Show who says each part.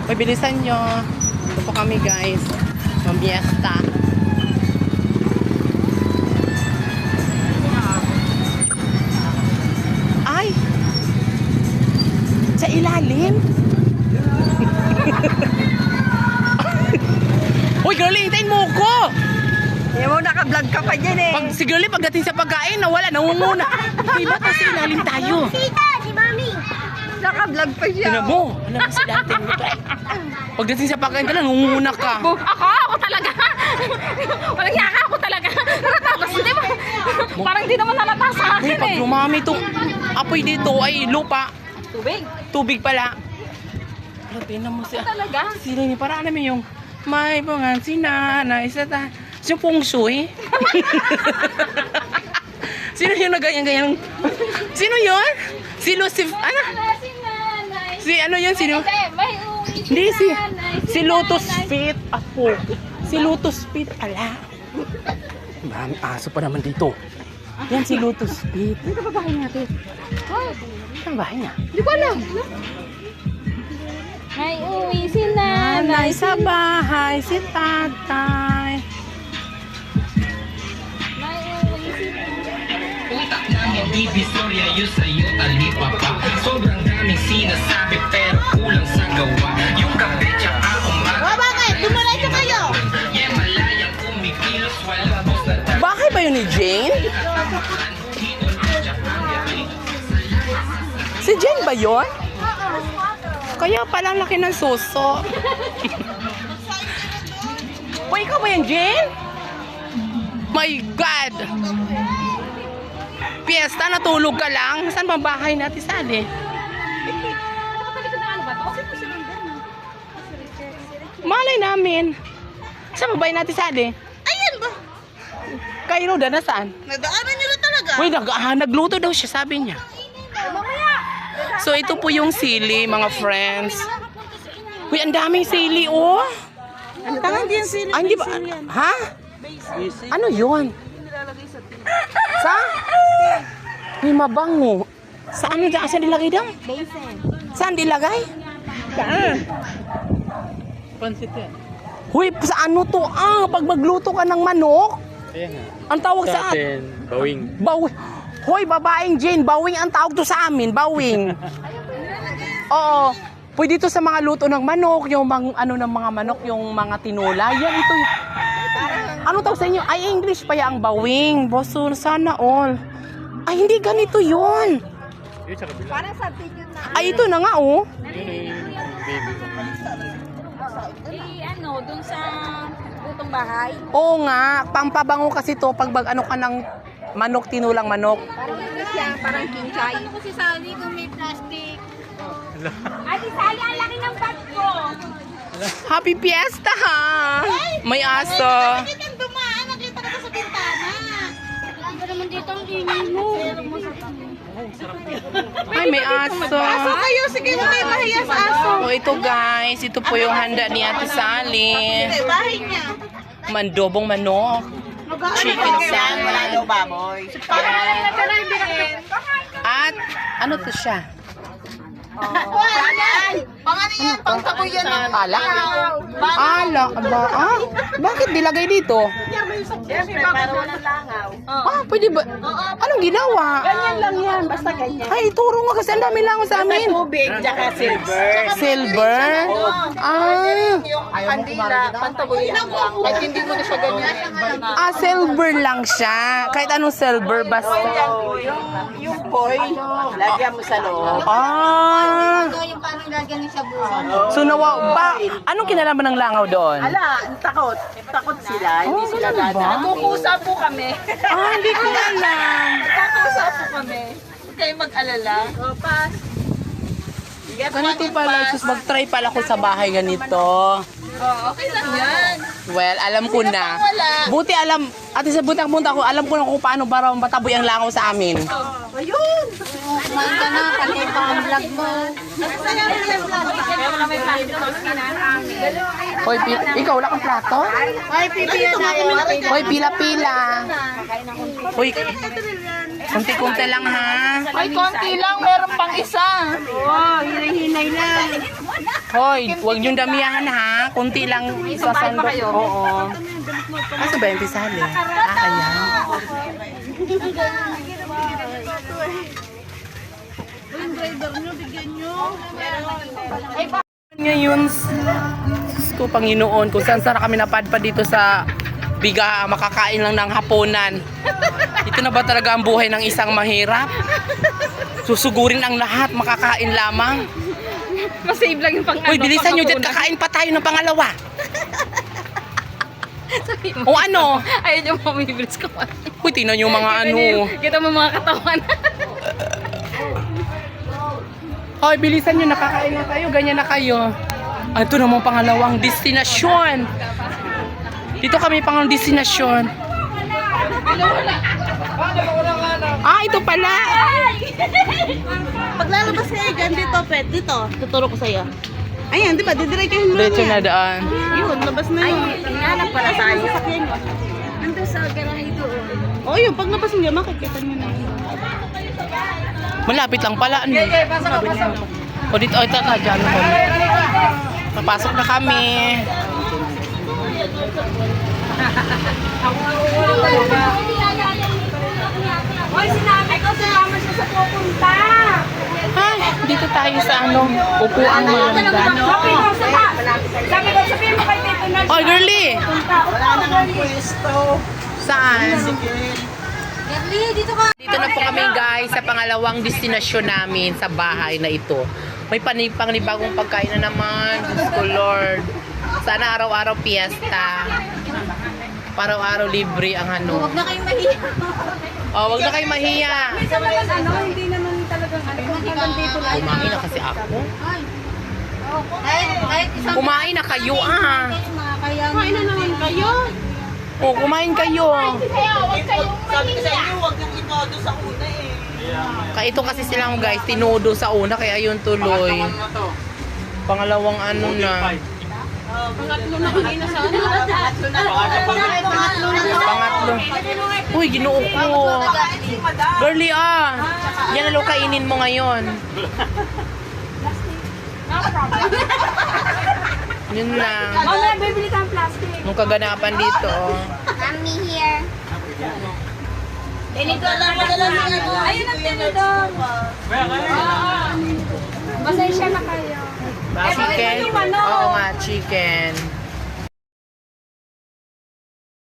Speaker 1: Uy, bilisan nyo. Ito po kami guys. Mamiesta. Ay! Sa ilalim? Uy, girlie, hintayin mo ko!
Speaker 2: Hindi mo, naka-vlog ka pa dyan eh.
Speaker 1: Pag, si girlie, pagdating sa pagkain, nawala, nangunguna. Uy, ba't sa ilalim tayo?
Speaker 3: Tita, si Mami.
Speaker 2: Naka-vlog pa siya.
Speaker 1: Tinan mo, alam mo si dati mo to. Pagdating sa pagkain ka lang, nangunguna ka.
Speaker 3: Ako talaga. Walang yaka ako talaga. Tapos hindi mo. Parang hindi naman halata sa
Speaker 1: Uy,
Speaker 3: akin
Speaker 1: pag
Speaker 3: eh.
Speaker 1: lumami itong apoy dito, ay lupa.
Speaker 3: Tubig.
Speaker 1: Tubig pala. Alam, tinan mo siya.
Speaker 3: Talaga.
Speaker 1: Sila ni para alam mo yung may pangan si nanay sa ta. Si Feng Shui. Sino yung nagayan-gayan? Sino yun? Si Lucif, ano? Si ano yun? Sino? Hindi, si Lotus Feet. Apo. Si Lotus Feet pala. Marami aso pa naman dito. Yan si Lotus Feet.
Speaker 3: Dito ba bahay natin?
Speaker 1: Saan bahay niya?
Speaker 3: Hindi ko alam. May uwi si
Speaker 1: Nanay sa bahay, si tatay.
Speaker 3: May uwi si
Speaker 4: Utak namin divisorya yun sa'yo talipapa. Sobrang daming sinasabi pero kulang sa gawa. Yung kape tsaka umaga.
Speaker 2: Bakit? Dumalayto kayo.
Speaker 4: Yeah, malayang kumikilos walang boss na tayo.
Speaker 1: Bahay ba yun ni Jane? Si Jane ba yun? Kaya palang laki ng suso. Uy, ikaw ba yan, Jane? My God! Fiesta, natulog ka lang? Saan ba bahay natin, Sally?
Speaker 3: Nakatalikod na ano ba to?
Speaker 1: Malay namin. Saan ba bahay natin, Sally?
Speaker 2: Ayan ba?
Speaker 1: Kay Roda, nasaan?
Speaker 2: Nadaanan nyo na talaga.
Speaker 1: Uy, nagluto daw siya, sabi niya. So, ito po yung sili, mga friends. Uy, ang daming sili, oh.
Speaker 2: Tangan din sila.
Speaker 1: Ah, hindi ba? Ha? Ano yun? Sa? May mabango. Sa ano dyan? Saan dilagay daw? Saan dilagay?
Speaker 2: Saan?
Speaker 1: Huy, sa ano to? Ah, pag magluto ka ng manok. Ang tawag sa atin?
Speaker 5: Bawing.
Speaker 1: Bawing. Hoy, babaeng Jane, bawing ang tawag to sa amin, bawing. Oo. Pwede to sa mga luto ng manok, yung ano ng mga manok, yung mga tinula. Yan, ito. Ano tawag sa inyo? Ay, English pa yan, ang bawing. Boso, sana all. Ay, hindi ganito yun.
Speaker 2: Parang sa video na.
Speaker 1: Ay, ito na nga, oh.
Speaker 3: Ano, dun sa utong bahay.
Speaker 1: Oo nga, pampabango kasi to pag ano ka ng manok, tinulang manok.
Speaker 2: Parang ano siya, parang kinchay.
Speaker 3: Ano ko si Sally kung may plastic? Ate Sally, ang laki ng bag ko.
Speaker 1: Happy Fiesta, ha? May aso.
Speaker 2: Bakit ang dumaan? Nakita ka sa bintana.
Speaker 3: Ano naman dito ang inin mo?
Speaker 1: Ay, may aso.
Speaker 2: Aso kayo, sige mo kayo mahiya sa aso.
Speaker 1: O, ito guys, ito po yung handa ni Ate Sally.
Speaker 2: Hindi, bahay niya.
Speaker 1: Mandobong manok. Chicken salad.
Speaker 2: baboy.
Speaker 1: At, ano to siya?
Speaker 2: Pangalan yan, pang taboy yan.
Speaker 1: Alak? Alak ba? Ah, bakit dilagay dito? Ah, pwede ba? Anong ginawa?
Speaker 2: Ganyan lang yan, basta ganyan.
Speaker 1: Ay, turo nga kasi ang dami lang sa amin.
Speaker 2: Tubig, tsaka silver.
Speaker 1: Silver? Ah,
Speaker 2: Yung kandila, pantaboy yan lang. Kahit hindi mo na siya ganyan.
Speaker 1: silver lang siya. Kahit anong silver, basta.
Speaker 2: Yung foil, lagyan mo sa loob.
Speaker 1: Ah,
Speaker 3: Yung parang gagaling sa buwan.
Speaker 1: so anong kinalaman ng langaw doon?
Speaker 2: Ala, takot. Takot sila, hindi sila
Speaker 1: ganun ba?
Speaker 2: gana. Nagkukusa po kami.
Speaker 1: Ah, hindi ko alam.
Speaker 2: Nagkukusa po kami. Huwag kayong mag-alala. O, pass.
Speaker 1: Ganito pala, sus, mag-try pala ko sa bahay ganito.
Speaker 2: Okay lang yan.
Speaker 1: Well, alam ko na. Buti alam, ate sa buntang-bunta ko, alam ko na kung paano para mataboy ang langaw sa amin.
Speaker 2: Ayun!
Speaker 3: Maganda na, palito ang vlog mo.
Speaker 1: Hoy, ikaw wala kang plato?
Speaker 2: Ay, pipila na yun.
Speaker 1: Hoy, pila-pila. Hoy, konti-konti lang ha.
Speaker 2: Ay, konti lang. Meron pang isa. Oo, hinay-hinay lang.
Speaker 1: Hoy, huwag niyong damihan ha. Kunti lang sasando. Oo. Ano ba yung pisali? Ayan. Ngayon, Diyos ko, Panginoon, kung saan sana kami napadpad dito sa biga, makakain lang ng hapunan. Ito na ba talaga ang buhay ng isang mahirap? Susugurin ang lahat, makakain lamang.
Speaker 3: Masave lang yung pang
Speaker 1: Uy, bilisan nyo dyan, kakain pa tayo ng pangalawa. O ano?
Speaker 3: Ayun yung mamibilis ko.
Speaker 1: Uy, tingnan nyo mga ano.
Speaker 3: Kita mo mga katawan.
Speaker 1: Hoy, bilisan nyo, nakakain na tayo, ganyan na kayo. Ito namang pangalawang destinasyon. Dito kami pang destinasyon. Ah, ito pala.
Speaker 2: Paglalabas kayo dyan dito, Pet. Dito. Tuturo ko sa'yo. Ayan, di ba? Didiretsahin mo lang
Speaker 1: Diretso na
Speaker 2: yan.
Speaker 1: daan.
Speaker 2: Yun, labas na yun. Ay, hinanap pala tayo. Sakyan nyo.
Speaker 3: Nandun sa garahe doon.
Speaker 2: O yun, paglabas nyo, makikita nyo na yun.
Speaker 1: Malapit lang pala. Ano? O dito, ito ka, dyan na kami. Papasok na kami.
Speaker 3: Hoy, sinabi ko, sumama siya sa pupunta.
Speaker 1: Ay, dito tayo sa ano, upuan maganda.
Speaker 3: Sabi ko, sabihin mo kay Tito na
Speaker 1: Oh, girly!
Speaker 2: Wala na nga pwesto.
Speaker 1: Saan?
Speaker 3: Gerly, dito ka.
Speaker 1: Dito na po kami guys sa pangalawang destinasyon namin sa bahay na ito. May panibagong pagkain na naman. Diyos ko Lord. Sana araw-araw fiesta. Araw-araw libre ang ano.
Speaker 3: Huwag na kayong mahiya.
Speaker 1: Oh, wag na kayo mahiya.
Speaker 3: Hindi naman talagang hanggang dito lang.
Speaker 1: Kumain na kasi ako.
Speaker 3: Kahit isang
Speaker 1: Kumain na kayo ah.
Speaker 2: Kumain na naman kayo.
Speaker 1: Oh, kumain kayo.
Speaker 2: Sabi ko sa inyo, huwag nang inodo sa una eh.
Speaker 1: Kaya ito kasi silang guys, tinodo sa una kaya yun tuloy. Pangalawang ano na.
Speaker 2: Pangatlo na kanina sa ano.
Speaker 1: Pangatlo. Uy, ginoo ko. Girly ah. Yan na lo kainin mo ngayon. Yun lang.
Speaker 3: Mamaya, bibili ka ng plastic.
Speaker 1: Nung kaganapan dito. Oh.
Speaker 3: Mommy here.
Speaker 2: Tinidor lang madala sa ano.
Speaker 3: Ayun ang tinidor. Pasensya na kayo.
Speaker 1: Chicken? Oo nga, chicken.